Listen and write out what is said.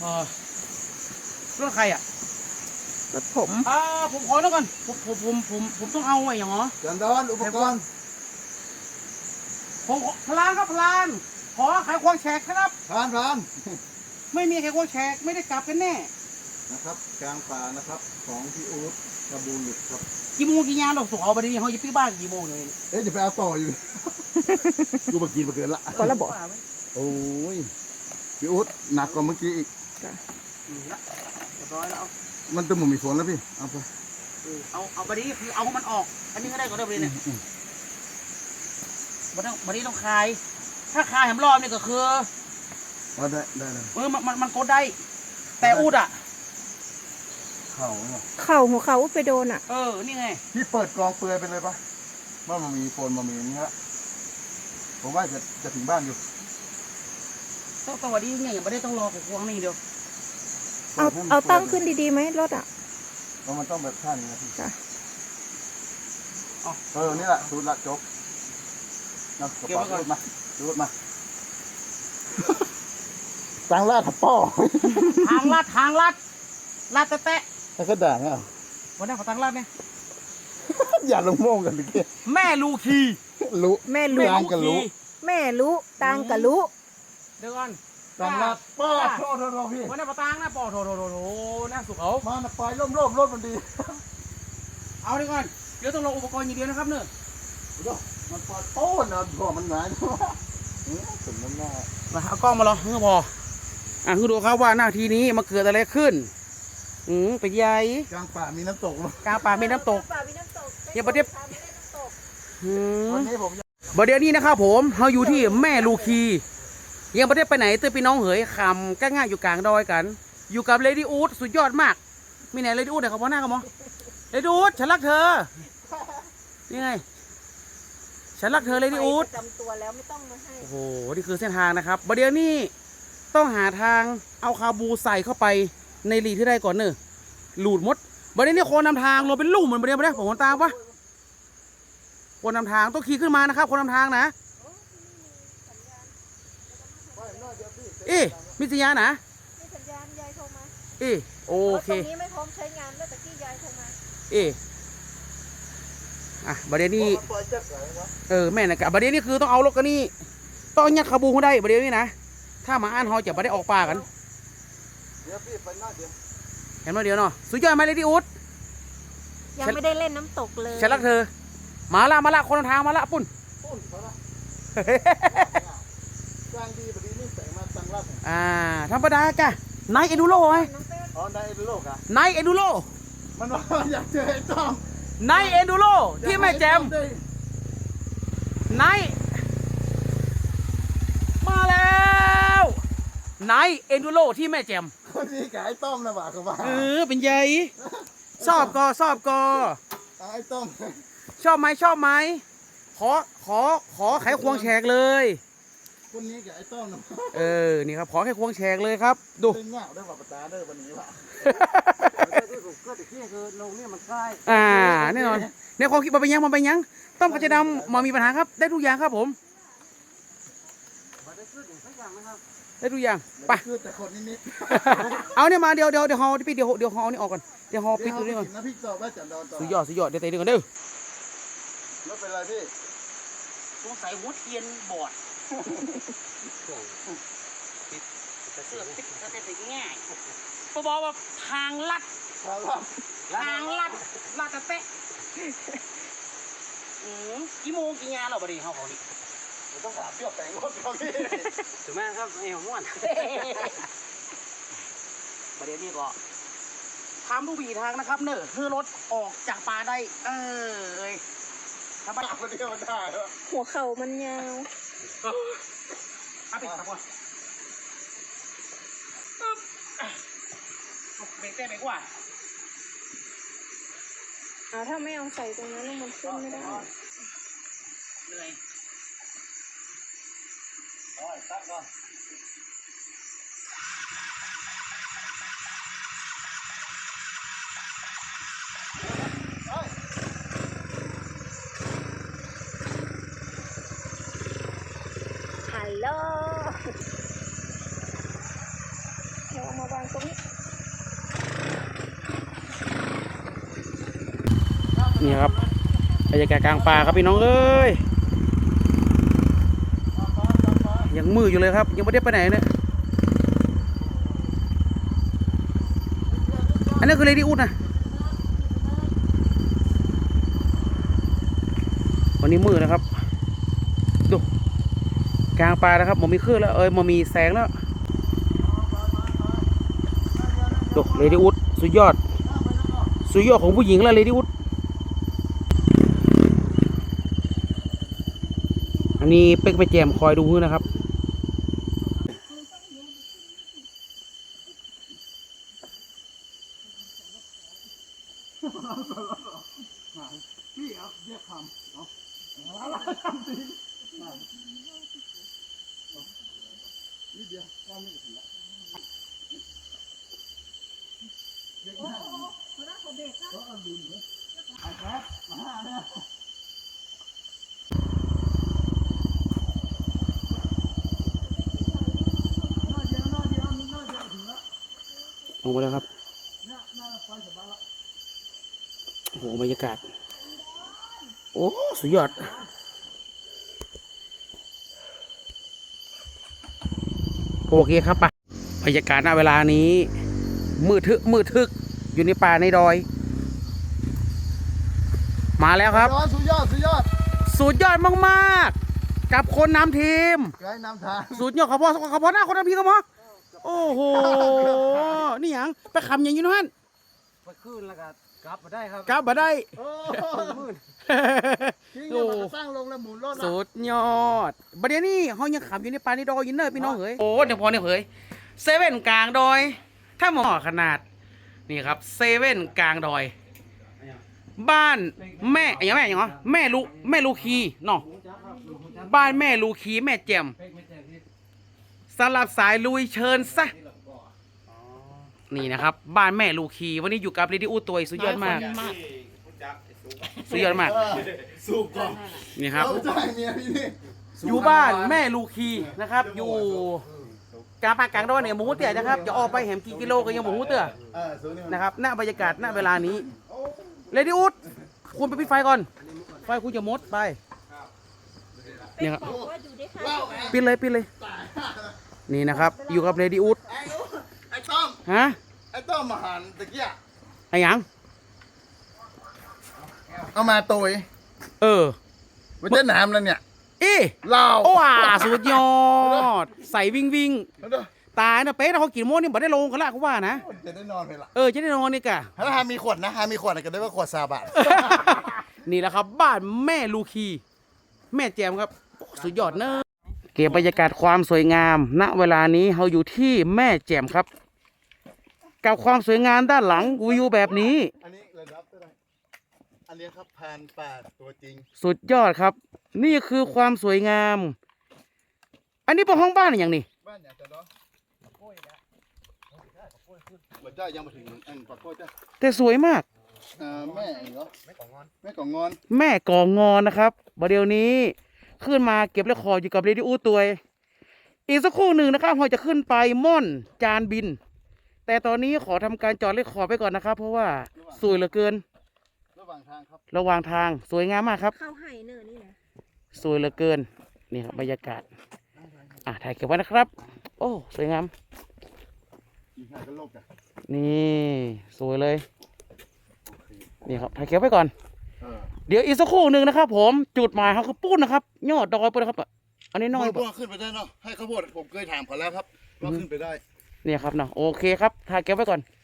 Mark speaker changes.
Speaker 1: รถใครอ่ะ
Speaker 2: รถผม
Speaker 1: ผมขอแล้วกันผมต้องเอาไอ้อย่างเหรอ
Speaker 3: จานดอนอุปกรณ์
Speaker 1: ผมพลานครับพลานขอไขควงแฉกครับ
Speaker 3: พาน
Speaker 1: ไม่มีไขควงแฉกไม่ได้กลับกันแน่
Speaker 3: นะครับกลางป่านะครับของพี่อู๊ดกระบูหลุดครับ
Speaker 1: กี่โมงกี่ยามเราส่งเอาไปดิเขาจะพี่บ้านกี่โมงเลย
Speaker 3: เอ๊ะจะไปเอาต่ออยู่กูมากินมาเกินละ
Speaker 2: ก็ระบอก
Speaker 3: โอ้ยพี่อู๊ดหนักกว่าเมื่อกี้อีก
Speaker 1: ร้อยแล้ว
Speaker 3: มันจะหมุนมีฝนแล้วพี่เอาไป
Speaker 1: เอาไปดิคือเอามันออกอันนี้ก็ได้ก็ได้ไปเนี่ยวันนี้ต้องคลายถ้าคลายแหมรอบนี่ก็คือ
Speaker 3: ได้เลย
Speaker 1: มันกดได้แต่อูดอ่ะ
Speaker 3: เข่าเนี่ย
Speaker 2: หัวเข่าไปโดนอ่ะ
Speaker 1: นี่ไง
Speaker 3: พี่เปิดกองเปลือยไปเลยปะว่ามันมีฝนมันมีอย่างเงี้ยผมว่าจะถึงบ้านอยู่
Speaker 1: ต้องวันนี้เนี่ยยังไม่ได้ต้องรอของควงนี่เดียว
Speaker 2: เอาตั้งขึ้นดีๆไหมรถอ่ะ
Speaker 3: มันต้องแบบท่านี้นะพี่นี่แหละสูตรละจบนะกระเป๋ารถมาตังลาดป้อ
Speaker 1: ทางลาดแตะ
Speaker 3: แล้วก็ด่าเนี่ย
Speaker 1: วันนี้ขอตังลาดเนี่ย
Speaker 3: อย่าลงโม่งกันดิ
Speaker 1: แม่ลูคี
Speaker 3: รู้
Speaker 2: แม่รู้
Speaker 3: ตังกันรู้
Speaker 2: แม่รู้ตังกันรู้
Speaker 1: เดี๋ยวก่อน
Speaker 3: ตังลาดป้อโทษพี่
Speaker 1: วันนี้ปะตังนะป้อโถน่าสุขเอา
Speaker 3: มาไฟร่มรถมันดี
Speaker 1: เอาดีก่อนเดี๋ยวต้องลงอุปกรณ์อย่างเดียวนะครับเนอะ
Speaker 3: มันปอดโต้นนะพอมันหงายถึงน้ำหน้า
Speaker 1: มาเอากล้องมาลองเพื่อพอคือดูครับว่าหน้าทีนี้มาเกิดอะไรขึ้นเป็นใหญ่
Speaker 3: กลางป่ามีน้ำตก
Speaker 1: กลางป่ามีน้ำตกอย่าประเดี๋ยว
Speaker 3: วันนี้ผม
Speaker 1: ประเดี๋ยวนี้นะครับผมเราอยู่ที่แม่ลูคียังประเดี๋ยวไปไหนเตือนพี่น้องเหยคำก้ง่ายอยู่กลางดอยกันอยู่กับเลดี้อู๊ดสุดยอดมากมีไหนเลดี้อู๊ดไหนเขาพ่อหน้ากันมั้งเลดี้อู๊ดฉันรักเธอนี่ไงฉันรักเธอเลดี้อู๊ด
Speaker 2: จำตัวแล้วไม่ต้องมาให้
Speaker 1: โอ้โหนี่คือเส้นทางนะครับประเดี๋ยวนี้ต้องหาทางเอาคาบูใส่เข้าไปในหลีที่ได้ก่อนเนอะหลุดมดประเดี๋ยวนี้คนนำทางเราเป็นลูกเหมือนประเดี๋ยวผมคนตามปะคนนำทางต้องขี่ขึ้นมานะครับคนนำทางนะมีสัญญาณนะ
Speaker 2: มีสัญญาณยายโทรมา
Speaker 1: โอเค
Speaker 2: ตรงนี้ไม่พร้อมใช้งานแล้วแต่ที่ยายโทรมา
Speaker 1: ประเดี๋ยวนี้แม่นะกะประเดี๋ยวนี้คือต้องเอารถกันนี่ต้องยัดคาบูเขาได้ประเดี๋ยวนี้นะถ้ามาอ่านเขาจะไม่ได้ออกป่ากัน
Speaker 3: เดี๋ยวพี่ไปหน้าเดียว
Speaker 1: เห็นไหมเดี๋ยวเนาะสุดยอดไหมเลดี้อู๊ด
Speaker 2: ยังไม่ได้เล่นน้ำตกเลย
Speaker 1: ฉันรักเธอมาละคนทางมาละปุ่น
Speaker 3: มาละกลางดีแบบนี้ใส่มาตังรับ
Speaker 1: ธรรมดากะไนเอดูโร่ไง
Speaker 3: ไนเอดูโร่กะ
Speaker 1: ไนเอดูโร่
Speaker 3: มันว่าอยากเจอไอ้ต้อม
Speaker 1: ไนเอดูโร่ที่แม่แจมไนมาแล้วไนเอดูโร่ที่แม่แจม
Speaker 3: คนนี้กับไอ้ต้อมนะบ่าเขาบ่า
Speaker 1: เป็นใหญ่ชอบกอ
Speaker 3: ไอ้ต้อม
Speaker 1: ชอบไหมขอไขควงแฉกเลย
Speaker 3: คนนี้กับไอ้ต้อมนะ
Speaker 1: นี่ครับขอไขควงแฉกเลยครับดู
Speaker 3: เงาได้ว่าปตาได้วันนี้ว่ะก็ติดที่คือโรงนี่มันใกล้
Speaker 1: แน่นอนในความคิดมันเป็นยังต้มกระเทียมดำมามีปัญหาครับได้ทุกอย่างครับผมได้ทุกอย่างไป
Speaker 3: แต่คนนิด
Speaker 1: เอาเนี่ยมาเดี๋ยวฮอพี่เดี๋ยวฮอนี่ออกก่อนเดี๋ยวฮอปิดตัวนี้ก่อน
Speaker 3: นะพี่ต่อว่าจันดอนต่อ
Speaker 1: สุดยอดเดี๋ยวเตะก่อนเด้อ
Speaker 3: ไม่เป็นไรพี่
Speaker 1: สงสัยหัวเทียนบอดเสื้อติดง่ายเขาบอกว่าทางลัดตะเตะกี่โมงกี่งานเราบดีเขาของนี่
Speaker 3: ต้องถามเปี้ยวแต่งรถเขาพี่
Speaker 1: ถูกไหมครับไอ้หัวม้วนประเด็นนี้ก็ทำทุกวิถีทางนะครับเนอะคือรถออกจากป่าได้ทำไม
Speaker 3: คนเดียวได้
Speaker 2: หัวเข่ามันยาว
Speaker 1: ปิดครับว่าเบรกเต้ไปกว่า
Speaker 2: ถ้าไม่เอาใส่ตรงนั้นมันขึ้นไม่ได้
Speaker 1: เหนื่อย
Speaker 3: ตัดก่อน
Speaker 2: ฮัลโหลเดี๋ยวมาบ้าน
Speaker 1: นี่ครับบรรยากาศกลางป่าครับพี่น้องเอ้ยยังมืดอยู่เลยครับยังไม่ได้ไปไหนเนี่ยอันนี้คือเลดี้อูดนะวันนี้มืดนะครับดูกลางป่านะครับมันมีคลื่นแล้วมันมีแสงแล้วดูเลดี้อูดสุดยอดของผู้หญิงแล้วเลดี้อูดอันนี้เป็กไปแจมคอยดูนะครับลงไปแล้วครับโอ้โหบรรยากาศโอ้สุดยอดโอเคครับไปบรรยากาศณเวลานี้มืดทึกอยู่ในป่าในดอยมาแล้วครับ
Speaker 3: สุดยอด
Speaker 1: สุดยอดมากๆกับคนนำทีม
Speaker 3: ไกด์นำทาง
Speaker 1: สุดยอดขอพอหน้าคนนำทีมก็พอโอ้โหนี่หยังไปคำอย่างนี้นั่น
Speaker 4: ไปขึ้นแล้วก็กลับมาได้ครับ
Speaker 1: กลับมาได้
Speaker 3: โอ้
Speaker 4: มืด
Speaker 3: ทิ้งเนี่ยมันสร้างลงแล้วหมุนรถ
Speaker 1: สุดยอดประเดี๋ยวนี้เขายังขับอยู่ในป่าในดอยยินเนอร์พี่น้องเฮ้ยโอ้เดี๋ยวพอเนี่ยเฮ้ยเซเว่นกลางดอยถ้าหมอขนาดนี่ครับเซเว่นกลางดอย บ้านแม่อย่างเหรอแม่ลูคีเนาะบ้านแม่ลูคีแม่แจ่มสำหรับสายลุยเชิญซะนี่นะครับบ้านแม่ลูคีวันนี้อยู่กับเรดิโอตัวสุดยอดมากสุดยอดมาก
Speaker 3: สูบก่อน
Speaker 1: นี่ครับ
Speaker 3: เอาใจเมียพี่นี่
Speaker 1: อยู่บ้านแม่ลูคีนะครับอยู่กลางป่ากลางดอยเนี่ยหมูเตี๋ยนะครับจะออกไปแหมกี่กิโลก็ยังหมูเตี๋ย
Speaker 3: สูบนี่มัน
Speaker 1: นะครับหน้าบรรยากาศหน้าเวลานี้เรดิโอคุณไปปิดไฟก่อนไฟคุณจะมดไปเนี่ยครับ
Speaker 2: บอกว่าอยู่ได้ค่ะ
Speaker 1: ปิดเลยนี่นะครับอยู่กับเรดิโอ
Speaker 3: ไอ้ต้อม
Speaker 1: ฮะ
Speaker 3: ไอ้ต้อมมาหันตะเกีย
Speaker 1: ไอ้หยัง
Speaker 3: เอามาตัว มันจะหนามแล้วเนี่ย
Speaker 1: อี
Speaker 3: เหล้า
Speaker 1: โอ้สุดยอดใส่วิ่ง
Speaker 3: เอาเด้อ
Speaker 1: ตายนะเป๊ะนะเขากินโมนี่บ่ได้ลงกันละเขาว่านะ
Speaker 3: จะได้นอนไปละ
Speaker 1: จะได้นอนนี่กะ
Speaker 3: ถ้าหามีขวดนะหามีขวดอะไรกันได้ว่าขวดซาบะ
Speaker 1: นี่แหละครับบ้านแม่ลูคีแม่แจมครับสุดยอดเนอะเก็บบรรยากาศความสวยงามณเวลานี้เราอยู่ที่แม่แจมครับ กับความสวยงามด้านหลังวิวแบบนี้
Speaker 3: อันนี้ระดับเท่าไหร่อันนี้ครับ1,800ตัวจริง
Speaker 1: สุดยอดครับ นี่คือความสวยงาม อันนี้เป็นห้องบ้านอย่างนี้
Speaker 3: บ้านอย่างจะเนาะบัดเจ้ายังมาถึงอันปากโก้จ้ะ
Speaker 1: แต่สวยมาก
Speaker 3: แม่เหรอแม่ของงอนแม่ของงอน
Speaker 1: แม่ก่องอนนะครับประเดี๋ยวนี้ขึ้นมาเก็บเรคคอร์ดอยู่กับเรดิโอตัวอีกสักครู่หนึ่งนะครับเราจะขึ้นไปม่อนจานบิน แต่ตอนนี้ขอทำการจอดเรคคอร์ดไปก่อนนะครับ เพราะว่าสวยเหลือเกิน
Speaker 3: ระหว่างทางครับ
Speaker 1: ระหว่างทางสวยงามมากครับ
Speaker 2: เข้าไห่เนอร์นี่นะ
Speaker 1: สวยเหลือเกินนี่ครับบรรยากาศถ่ายเก็บไว้นะครับ โอ้สวยงาม
Speaker 3: อีกหน้าก็โลกจ้ะ
Speaker 1: นี่สวยเลยนี่ครับถ่ายเก็บไว้ก่อน
Speaker 3: เออ
Speaker 1: เดี๋ยวอีกสักครู่หนึ่งนะครับ ผมจุดหมายเขาคือปุ้นนะครับยอดดอยปุ้นนะครับอันนี้น้อย
Speaker 3: พวกขึ้นไปได้เนาะให้ข้าวโพดผมเคยถามเขาแล้วครับว่าขึ้นไปได้
Speaker 1: เนี่ยครับเนาะโอเคครับถ่ายเก็บไว้ก่อน